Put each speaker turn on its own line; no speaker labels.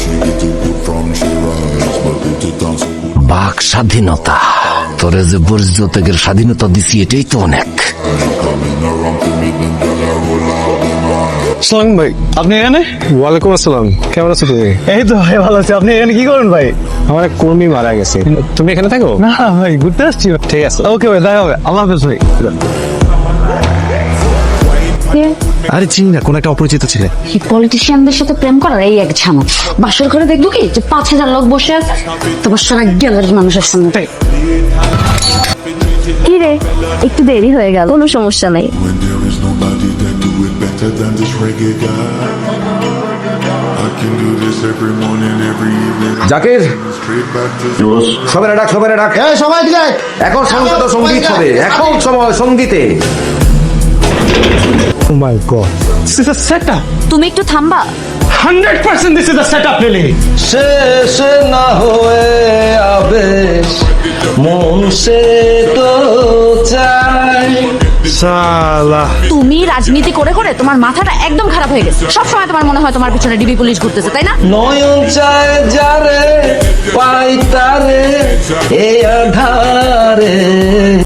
বাক স্বাধীনতা, তোরে যে বর্জ্যত্যাগের স্বাধীনতা দিছি এটাই তো অনেক।
সালাম ভাই, আপনি এখানে?
ওয়ালাইকুম আসসালাম, কেমন আছো তুমি?
এই তো ভাই ভালো আছি। আপনি এখানে কি করেন ভাই?
আমার এক কর্মী মারা গেছে, তুমি এখানে থাকো?
না ভাই, ঘুরতে আসছি।
ঠিক আছে,
ওকে ভাই, দেখা হবে। আল্লাহ হাফেজ ভাই।
আরে চিনি না, কোন একটা অপরিচিত ছেলে।
এই পলিটিশিয়ানদের সাথে প্রেম করার এই এক ঝামেলা। বাসর ঘরে দেখবো কি যে 5,000 লোক বসে আছে, তোমার সারা গ্যালারির মানুষের সামনে।
কি রে, একটু দেরি হয়ে গেল, কোনো সমস্যা নাই।
When there is nobody that do it better than this reggae guy. I can do this every morning, every evening.
Zakir,
Straight back to
সবাই ডাক, সবাই ডাক।
সবাই দিলে
এখন সঙ্গীত সঙ্গীত হবে, এখন সময় সঙ্গীতে।
Oh my god,
This is a setup.
তুমি একটু থামবা।
100% this is a setup, really.
শেষ না হয়ে আবেশ মন সে তো চাই।
সালা
তুমি রাজনীতি করে করে তোমার মাথাটা একদম খারাপ হয়ে গেছে। সবসময় তোমার মনে হয় তোমার পিছনে ডিবি পুলিশ ঘুরতেছে, তাই না?
নয়ন চায় যারে পাই তারে এ আধারে।